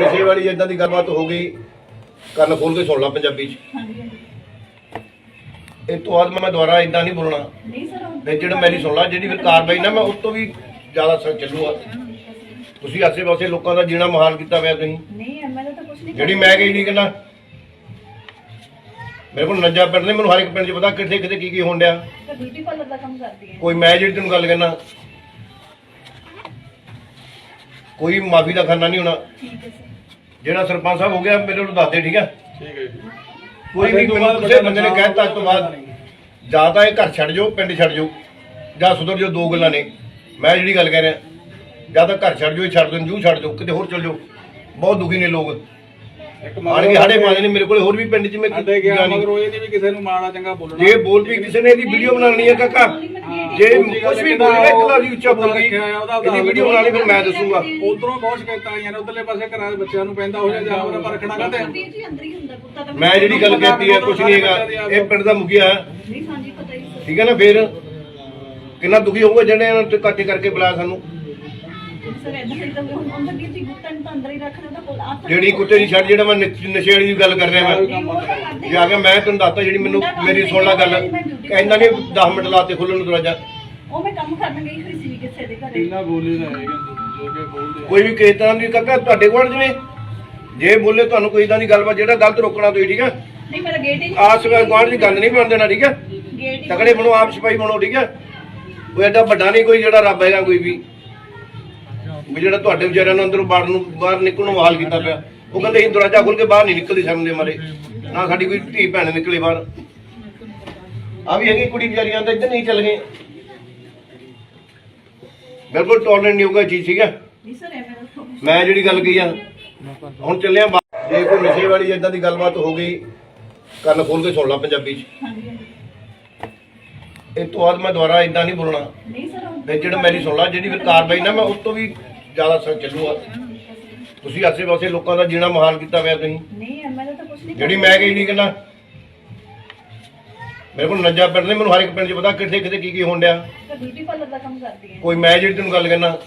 ਨਸ਼ੇ ਵਾਲੀ ਇਦਾਂ ਦੀ ਗੱਲਬਾਤ ਹੋ ਗਈ, ਕੰਨ ਖੋਲ ਕੇ ਸੁਣ ਲਾ ਪੰਜਾਬੀ ਚ। ਇਹ ਤੋਂ ਬਾਅਦ ਮੈਂ ਦੁਬਾਰਾ ਇਦਾਂ ਨਹੀਂ ਬੋਲਣਾ ਤੇ ਜਿਹੜਾ ਮੇਰੀ ਸੁਣ ਲਾ, ਜਿਹੜੀ ਫਿਰ ਕਾਰਵਾਈ ਨਾ ਮੈਂ ਉਸ ਤੋਂ ਵੀ ਜ਼ਿਆਦਾ ਸਰ ਚੱਲੂਗਾ। ਤੁਸੀਂ ਆਸੇ ਪਾਸੇ ਲੋਕਾਂ ਦਾ ਜੀਣਾ ਮੁਹਾਲ ਕੀਤਾ ਹੋਇਆ ਤੁਸੀਂ। ਜਿਹੜੀ ਮੈਂ ਕਹੀ ਨਹੀਂ ਕਹਿੰਦਾ, ਮੇਰੇ ਕੋਲ ਨੱਜਾ ਪਿੰਡ ਨੇ, ਮੈਨੂੰ ਹਰ ਇੱਕ ਪਿੰਡ 'ਚ ਪਤਾ ਕਿੱਥੇ ਕਿੱਥੇ ਕੀ ਹੋਣ ਡਿਆ। ਕੋਈ ਮੈਂ ਜਿਹੜੀ ਤੈਨੂੰ ਗੱਲ ਕਹਿਣਾ, ਕੋਈ ਮਾਫੀ ਦਾ ਖਾਨਾ ਨਹੀਂ ਹੋਣਾ। ਜਿਹੜਾ ਸਰਪੰਚ ਸਾਹਿਬ ਹੋ ਗਿਆ ਮੇਰੇ ਨੂੰ ਦੱਸ ਦੇ, ਠੀਕ ਹੈ? ਕੋਈ ਵੀ ਮੈਨੂੰ ਕਿਸੇ ਬੰਦੇ ਨੇ ਕਹਿ ਦਿੱਤਾ ਅੱਜ ਤੋਂ ਬਾਅਦ ਜਾਂ ਤਾਂ ਇਹ ਘਰ ਛੱਡ ਜਾਓ, ਪਿੰਡ ਛੱਡ ਜਾਓ, ਜਾਂ ਸੁਧਰ ਜਾਓ। ਦੋ ਗੱਲਾਂ ਨੇ। ਮੈਂ ਜਿਹੜੀ ਗੱਲ ਕਹਿ ਰਿਹਾ, ਜਾਂ ਤਾਂ ਘਰ ਛੱਡ ਜਾਓ, ਛੱਡ ਦਿਓ, ਜੂ ਛੱਡ ਜਾਓ, ਕਿਤੇ ਹੋਰ ਚਲ ਜਾਓ। ਬਹੁਤ ਦੁਖੀ ਨੇ ਲੋਕ, ਆਣ ਕੇ ਸਾਡੇ ਪਾਉਂਦੇ ਨੇ ਮੇਰੇ ਕੋਲ। ਹੋਰ ਵੀ ਪਿੰਡ 'ਚ ਮੈਂ ਕਿਸੇ ਨੂੰ ਮਾੜਾ ਚੰਗਾ ਬੋਲਣਾ, ਜੇ ਬੋਲ ਵੀ ਕਿਸੇ ਨੇ ਇਹਦੀ ਵੀਡੀਓ ਬਣਾਉਣੀ ਹੈ ਕਾਕਾ, ਜੇ ਕੁਝ ਵੀ ਬੋਲਣਾ ਇੱਕ ਵਾਰੀ ਉੱਚਾ ਬੋਲ ਗਈ ਇਹਦੀ ਵੀਡੀਓ ਬਣਾਣੀ, ਫਿਰ ਮੈਂ ਦੱਸੂਗਾ। ਉਧਰੋਂ ਬਹੁਤ ਸ਼ਿਕਾਇਤਾਂ ਆਈਆਂ ਨੇ, ਉਧਰਲੇ ਪਾਸੇ ਘਰਾਂ ਦੇ ਬੱਚਿਆਂ ਨੂੰ ਪੈਂਦਾ ਹੋ ਜਾ ਪਰ ਰੱਖਣਾ ਕਾਹਤੇ। ਮੈਂ ਜਿਹੜੀ ਗੱਲ ਕਹਿਤੀ ਹੈ ਕੁਝ ਨਹੀਂ ਹੈਗਾ। ਇਹ ਪਿੰਡ ਦਾ ਮੁਖੀਆ ਠੀਕ ਹੈ ਨਾ, ਫਿਰ ਕਿੰਨਾ ਦੁਖੀ ਹੋਊਗਾ ਜਿਹੜੇ ਇਹਨਾਂ ਨੂੰ ਇਕੱਠੇ ਕਰਕੇ ਬੁਲਾਇਆ ਸਾਨੂੰ। ਜਿਹੜੀ ਕੁੱਤੇ ਦੀ ਛੱਡ, ਜਿਹੜਾ ਮੈਂ ਨਸ਼ੇ ਵਾਲੀ ਦੀ ਗੱਲ ਕਰ ਰਿਹਾ, ਮੈਂ ਜਾ ਕੇ ਮੈਂ ਤੈਨੂੰ ਦੱਸਤਾ ਜਿਹੜੀ ਮੈਨੂੰ ਮੇਰੀ ਸੁਣ ਲਾ ਗੱਲ। ਇੰਨਾ ਨਹੀਂ 10 ਮਿੰਟ ਲਾਤੇ ਖੁੱਲਣ ਨੂੰ ਦਰਵਾਜ਼ਾ। ਕੋਈ ਵੀ ਕਿਸੇ ਤਰ੍ਹਾਂ ਦੀ ਕਾਕਾ ਤੁਹਾਡੇ ਕੋਲ ਜਿਵੇਂ ਜੇ ਬੋਲੇ ਤੁਹਾਨੂੰ ਕੋਈ ਇਦਾਂ ਦੀ ਗੱਲਬਾਤ, ਜਿਹੜਾ ਗਲਤ ਰੋਕਣਾ ਤੁਸੀਂ, ਠੀਕ ਹੈ? ਆਸ ਗੁਆਂਢ ਦੀ ਗੱਲ ਨਹੀਂ ਬਣ ਦੇਣਾ, ਠੀਕ ਹੈ? ਤਕੜੇ ਬਣੋ, ਆਪ ਸਿਪਾਹੀ ਬਣੋ, ਠੀਕ ਹੈ? ਕੋਈ ਐਡਾ ਵੱਡਾ ਨਹੀਂ ਕੋਈ ਜਿਹੜਾ ਰੱਬ ਹੈਗਾ ਕੋਈ ਵੀ ਜਿਹੜਾ ਤੁਹਾਡੇ ਵਿਚਾਰਿਆਂ ਨੂੰ ਅੰਦਰੋਂ ਬਾਹਰ ਨਿਕਲਣ ਨੂੰ ਹਾਲ ਕੀਤਾ ਪਿਆ। ਉਹ ਕਹਿੰਦੇ ਅਸੀਂ ਦਰਵਾਜ਼ਾ ਖੋਲ ਕੇ ਬਾਹਰ ਨਹੀਂ ਨਿਕਲਦੀ ਸ਼ਰਮ ਦੇ ਮਾਰੇ, ਨਾ ਸਾਡੀ ਕੋਈ ਧੀ ਭੈਣ ਨਿਕਲੇ ਬਾਹਰ। ਆ ਵੀ ਹੈਗੀ ਕੁੜੀ ਵਿਚਾਰੀਆਂ ਤਾਂ ਇੱਧਰ ਨਹੀਂ ਚੱਲ ਗਏ। ਬਿਲਕੁਲ ਟੋਲਰੈਂਟ ਨਹੀਂ ਹੋਊਗਾ ਚੀਜ਼, ਠੀਕ ਹੈ? ਮੈਂ ਜਿਹੜੀ ਗੱਲ ਕਹੀ ਆ ਹੁਣ ਚੱਲਿਆ। ਜੇ ਕੋਈ ਨਸ਼ੇ ਵਾਲੀ ਇਦਾਂ ਦੀ ਗੱਲਬਾਤ ਹੋ ਗਈ, ਕੰਨ ਖੋਲ ਕੇ ਸੁਣ ਲਾ ਪੰਜਾਬੀ ਚ। ਇਹ ਤੋਂ ਬਾਅਦ ਮੈਂ ਦੁਬਾਰਾ ਇਦਾਂ ਨਹੀਂ ਬੋਲਣਾ ਤੇ ਜਿਹੜਾ ਮੇਰੀ ਸੁਣ ਲਾ, ਜਿਹੜੀ ਫਿਰ ਕਾਰਵਾਈ ਨਾ ਮੈਂ ਉਸ ਤੋਂ ਵੀ ਜ਼ਿਆਦਾ ਸਰ ਚੱਲੂਗਾ। ਤੁਸੀਂ ਆਸੇ ਪਾਸੇ ਲੋਕਾਂ ਦਾ ਜੀਣਾ ਮੁਹਾਲ ਕੀਤਾ ਹੋਇਆ ਤੁਸੀਂ। ਜਿਹੜੀ ਮੈਂ ਕਹੀ ਨਹੀਂ ਕਹਿੰਦਾ, ਮੇਰੇ ਕੋਲ ਨੱਜਾ ਪਿੰਡ ਨੇ, ਮੈਨੂੰ ਹਰ ਇੱਕ ਪਿੰਡ 'ਚ ਪਤਾ ਕਿੱਥੇ ਕਿੱਥੇ ਕੀ ਹੋਣ ਡਿਆ। ਕੋਈ ਮੈਂ ਜਿਹੜੀ ਤੈਨੂੰ ਗੱਲ ਕਹਿਣਾ,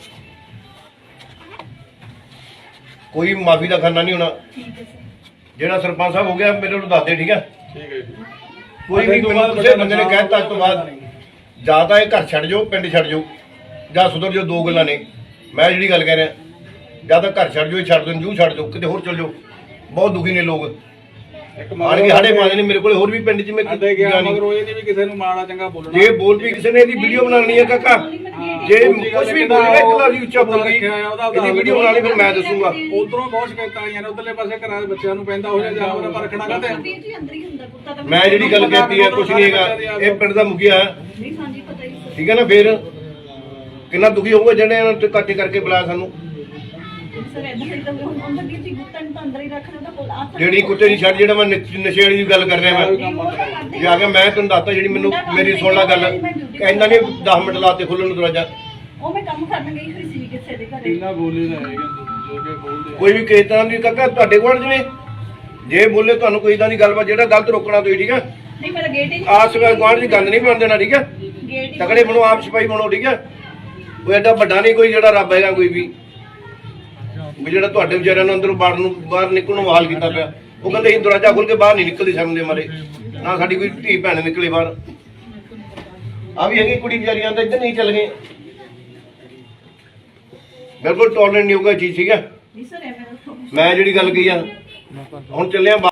ਕੋਈ ਮਾਫੀ ਦਾ ਖਾਨਾ ਨਹੀਂ ਹੋਣਾ। ਜਿਹੜਾ ਸਰਪੰਚ ਸਾਹਿਬ ਹੋ ਗਿਆ ਮੇਰੇ ਨੂੰ ਦੱਸ ਦੇ, ਠੀਕ ਹੈ? ਕੋਈ ਵੀ ਮੈਨੂੰ ਕਿਸੇ ਬੰਦੇ ਨੇ ਕਹਿ ਦਿੱਤਾ ਅੱਜ ਤੋਂ ਬਾਅਦ ਜਾਂ ਤਾਂ ਇਹ ਘਰ ਛੱਡ ਜਾਓ, ਪਿੰਡ ਛੱਡ ਜਾਓ, ਜਾਂ ਸੁਧਰ ਜਾਓ। ਦੋ ਗੱਲਾਂ ਨੇ। ਮੈਂ ਜਿਹੜੀ ਗੱਲ ਕਹਿ ਰਿਹਾ, ਜਾਂ ਤਾਂ ਘਰ ਛੱਡ ਜਾਓ, ਛੱਡ ਦਿਓ, ਜੂ ਛੱਡ ਜਾਓ, ਕਿਤੇ ਹੋਰ ਚਲ ਜਾਓ। ਬਹੁਤ ਦੁਖੀ ਨੇ ਲੋਕ, ਆਣ ਕੇ ਸਾਡੇ ਪਾਉਂਦੇ ਨੇ ਮੇਰੇ ਕੋਲ। ਹੋਰ ਵੀ ਪਿੰਡ 'ਚ ਮੈਂ ਕਿਸੇ ਨੂੰ ਮਾੜਾ ਚੰਗਾ ਬੋਲਣਾ, ਜੇ ਬੋਲ ਵੀ ਕਿਸੇ ਨੇ ਇਹਦੀ ਵੀਡੀਓ ਬਣਾਉਣੀ ਹੈ ਕਾਕਾ, ਜੇ ਕੁਝ ਵੀ ਬੋਲਣਾ ਇੱਕ ਵਾਰੀ ਉੱਚਾ ਬੋਲ ਗਈ ਇਹਦੀ ਵੀਡੀਓ ਬਣਾਣੀ, ਫਿਰ ਮੈਂ ਦੱਸੂਗਾ। ਉਧਰੋਂ ਬਹੁਤ ਸ਼ਿਕਾਇਤਾਂ ਆਈਆਂ ਨੇ, ਉਧਰਲੇ ਪਾਸੇ ਘਰਾਂ ਦੇ ਬੱਚਿਆਂ ਨੂੰ ਪੈਂਦਾ ਹੋ ਜਾ ਪਰ ਰੱਖਣਾ ਕਾਹਤੇ। ਮੈਂ ਜਿਹੜੀ ਗੱਲ ਕਹਿਤੀ ਹੈ ਕੁਝ ਨਹੀਂ ਹੈਗਾ। ਇਹ ਪਿੰਡ ਦਾ ਮੁਖੀਆ ਠੀਕ ਹੈ ਨਾ, ਫਿਰ ਕਿੰਨਾ ਦੁਖੀ ਹੋਊਗਾ ਜਿਹੜੇ ਇਹਨਾਂ ਨੂੰ ਇਕੱਠੇ ਕਰਕੇ ਬੁਲਾਇਆ ਸਾਨੂੰ। ਜਿਹੜੀ ਕੁੱਤੇ ਦੀ ਛੱਡ, ਜਿਹੜਾ ਮੈਂ ਨਸ਼ੇ ਵਾਲੀ ਦੀ ਗੱਲ ਕਰ ਰਿਹਾ, ਮੈਂ ਜਾ ਕੇ ਮੈਂ ਤੈਨੂੰ ਦੱਸਤਾ ਜਿਹੜੀ ਮੈਨੂੰ ਮੇਰੀ ਸੁਣ ਲਾ ਗੱਲ। ਇੰਨਾ ਨਹੀਂ 10 ਮਿੰਟ ਲਾਤੇ ਖੁੱਲਣ ਨੂੰ ਦਰਵਾਜ਼ਾ। ਕੋਈ ਵੀ ਕਿਸੇ ਤਰ੍ਹਾਂ ਦੀ ਕਾਕਾ ਤੁਹਾਡੇ ਕੋਲ ਜਿਵੇਂ ਜੇ ਬੋਲੇ ਤੁਹਾਨੂੰ ਕੋਈ ਇਦਾਂ ਦੀ ਗੱਲਬਾਤ, ਜਿਹੜਾ ਗਲਤ ਰੋਕਣਾ ਤੁਸੀਂ, ਠੀਕ ਹੈ? ਆਸ ਗੁਆਂਢ ਦੀ ਗੱਲ ਨਹੀਂ ਬਣ ਦੇਣਾ, ਠੀਕ ਹੈ? ਤਕੜੇ ਬਣੋ, ਆਪ ਸਿਪਾਹੀ ਬਣੋ, ਠੀਕ ਹੈ? ਕੋਈ ਐਡਾ ਵੱਡਾ ਨਹੀਂ ਕੋਈ ਜਿਹੜਾ ਰੱਬ ਹੈਗਾ ਕੋਈ ਵੀ ਜਿਹੜਾ ਤੁਹਾਡੇ ਵਿਚਾਰਿਆਂ ਨੂੰ ਅੰਦਰੋਂ ਬਾਹਰ ਨਿਕਲਣ ਨੂੰ ਹਾਲ ਕੀਤਾ ਪਿਆ। ਉਹ ਕਹਿੰਦੇ ਅਸੀਂ ਦਰਵਾਜ਼ਾ ਖੋਲ ਕੇ ਬਾਹਰ ਨਹੀਂ ਨਿਕਲਦੀ ਸ਼ਰਮ ਦੇ ਮਾਰੇ, ਨਾ ਸਾਡੀ ਕੋਈ ਧੀ ਭੈਣ ਨਿਕਲੇ ਬਾਹਰ। ਆ ਵੀ ਹੈਗੀ ਕੁੜੀ ਵਿਚਾਰੀਆਂ ਤਾਂ ਇੱਧਰ ਨਹੀਂ ਚੱਲ ਗਏ। ਬਿਲਕੁਲ ਟੋਲਰੈਂਟ ਨਹੀਂ ਹੋਊਗਾ ਚੀਜ਼, ਠੀਕ ਹੈ? ਮੈਂ ਜਿਹੜੀ ਗੱਲ ਕਹੀ ਆ ਹੁਣ ਚੱਲਿਆ।